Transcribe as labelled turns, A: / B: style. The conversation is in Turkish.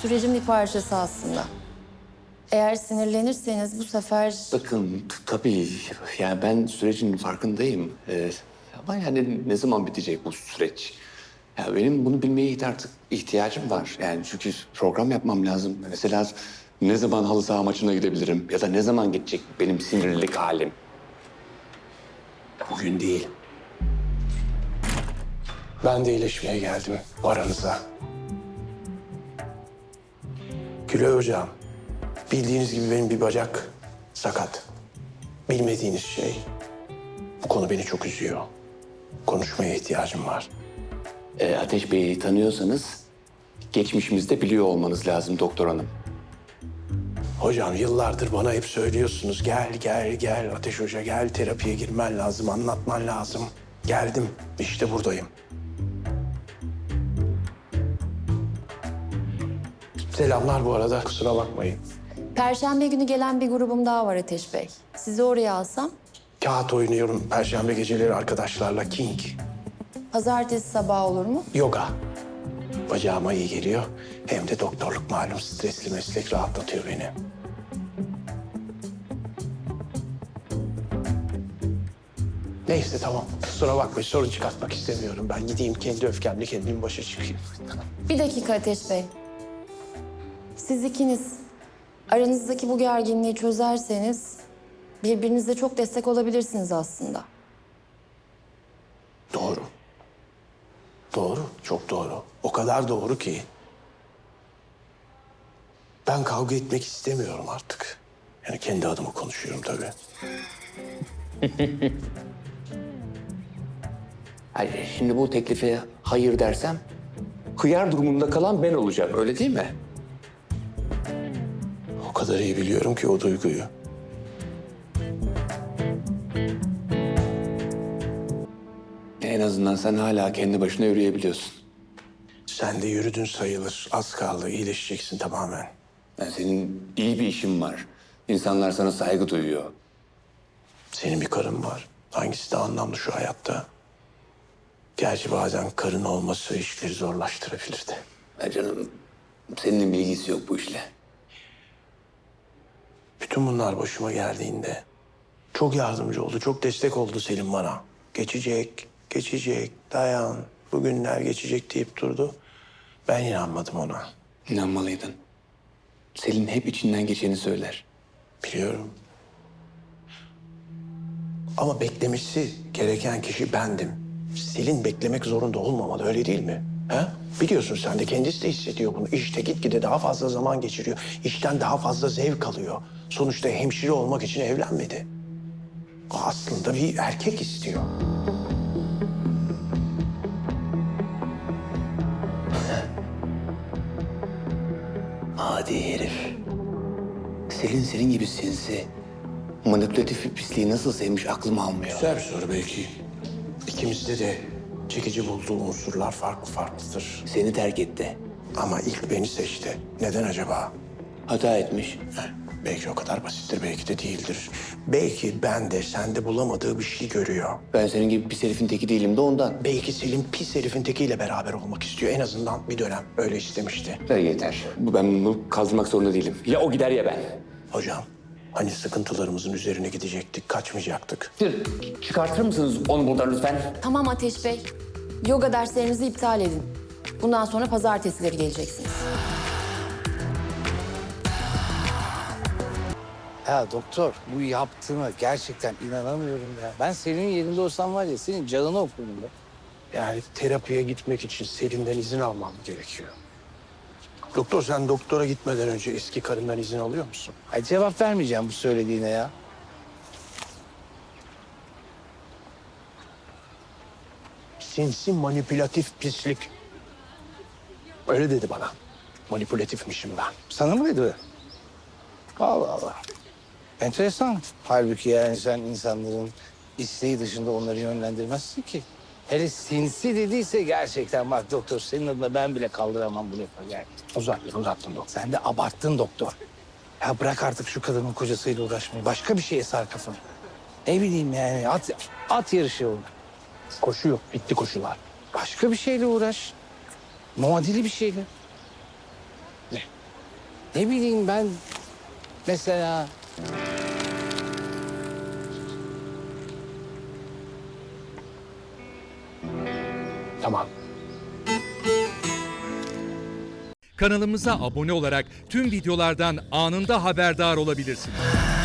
A: Sürecin bir parçası aslında. Eğer sinirlenirseniz bu sefer...
B: Bakın tabii yani ben sürecin farkındayım. Ama yani ne zaman bitecek bu süreç? Ya benim bunu bilmeye artık ihtiyacım var. Yani çünkü program yapmam lazım. Mesela ne zaman halı saha maçına gidebilirim? Ya da ne zaman geçecek benim sinirlilik halim?
C: Bugün değil. Ben de iyileşmeye geldim aranıza. Gülay Hocam, bildiğiniz gibi benim bir bacak sakat. Bilmediğiniz şey. Bu konu beni çok üzüyor. Konuşmaya ihtiyacım var.
B: Ateş Bey'i tanıyorsanız geçmişimizde biliyor olmanız lazım doktor hanım.
C: Hocam yıllardır bana hep söylüyorsunuz. Gel, gel, gel Ateş Hoca gel. Terapiye girmen lazım, anlatman lazım. Geldim, işte buradayım. Selamlar bu arada, kusura bakmayın.
A: Perşembe günü gelen bir grubum daha var Ateş Bey. Sizi oraya alsam,
C: Kağıt oynuyorum perşembe geceleri arkadaşlarla King.
A: pazartesi sabahı olur mu?
C: Yoga. Bacağıma iyi geliyor. Hem de doktorluk malum stresli meslek rahatlatıyor beni. Neyse tamam. Kusura bakmayın sorun çıkartmak istemiyorum. Ben gideyim kendi öfkemle kendim başa çıkayım.
A: Bir dakika Ateş Bey. Siz ikiniz aranızdaki bu gerginliği çözerseniz birbirinize çok destek olabilirsiniz aslında.
C: Doğru. Doğru, çok doğru. O kadar doğru ki. Ben kavga etmek istemiyorum artık. Yani kendi adıma konuşuyorum tabii.
B: Hayır, şimdi bu teklife hayır dersem hıyar durumunda kalan ben olacağım öyle değil mi?
C: O kadar iyi biliyorum ki o duyguyu.
B: En azından sen hala kendi başına yürüyebiliyorsun.
C: Sen de yürüdün sayılır. Az kaldı, iyileşeceksin tamamen.
B: Yani senin iyi bir işin var. İnsanlar sana saygı duyuyor.
C: Senin bir karın var. Hangisi de anlamlı şu hayatta? Gerçi bazen karın olması işleri zorlaştırabilir de.
B: Ya canım senin bilgisi yok bu işle.
C: Bütün bunlar başıma geldiğinde çok yardımcı oldu, çok destek oldu Selim bana. Geçecek, geçecek, dayan, bugünler geçecek deyip durdu. Ben inanmadım ona.
B: İnanmalıydın. Selin hep içinden geçeni söyler.
C: Biliyorum. Ama beklemesi gereken kişi bendim. Selin beklemek zorunda olmamalı, öyle değil mi? Ha? Biliyorsun sen de kendisi de hissediyor bunu. İşte gitgide daha fazla zaman geçiriyor. İşten daha fazla zevk alıyor. Sonuçta hemşire olmak için evlenmedi. O aslında bir erkek istiyor.
B: Adi herif. Selin senin gibi sinsi, manipülatif bir pisliği nasıl sevmiş aklım almıyor.
C: Güzel bir soru belki. İkimizde de çekici bulduğu unsurlar farklı farklıdır.
B: Seni terk etti.
C: Ama ilk beni seçti. Neden acaba?
B: Hata etmiş.
C: Belki o kadar basittir, belki de değildir. Belki bende, sende bulamadığı bir şey görüyor.
B: Ben senin gibi pis herifin teki değilim de ondan.
C: Belki Selim pis herifin tekiyle beraber olmak istiyor. En azından bir dönem öyle istemişti.
B: Yeter. Ben bunu kaldırmak zorunda değilim. Ya o gider ya ben.
C: Hocam, hani sıkıntılarımızın üzerine gidecektik, kaçmayacaktık.
B: Çıkartır mısınız onu buradan lütfen?
A: Tamam Ateş Bey. Yoga derslerinizi iptal edin. Bundan sonra pazartesileri geleceksiniz.
D: Ya doktor bu yaptığına gerçekten inanamıyorum ya. Ben senin yerinde olsam var ya senin canını okudum be.
C: Yani terapiye gitmek için Selim'den izin almam gerekiyor. Doktor, sen doktora gitmeden önce eski karından izin alıyor musun?
D: Ay cevap vermeyeceğim bu söylediğine ya.
C: Sinsi manipülatif pislik. Öyle dedi bana. Manipülatifmişim ben.
D: Sana mı dedi? Allah Allah. Enteresan. Halbuki yani sen insanların isteği dışında onları yönlendirmezsin ki. Hele sinsi dediyse gerçekten bak doktor senin adına ben bile kaldıramam bu lafı yani.
C: Uzattın doktor.
D: Sen de abarttın doktor. Ya bırak artık şu kadının kocasıyla uğraşmayı. Başka bir şeye sar kafanı. Ne bileyim yani at yarışı olur.
C: Koşu yok, bitti koşular.
D: Başka bir şeyle uğraş. Muadili bir şeyle. Ne bileyim ben mesela...
C: Tamam.
E: Kanalımıza abone olarak tüm videolardan anında haberdar olabilirsiniz.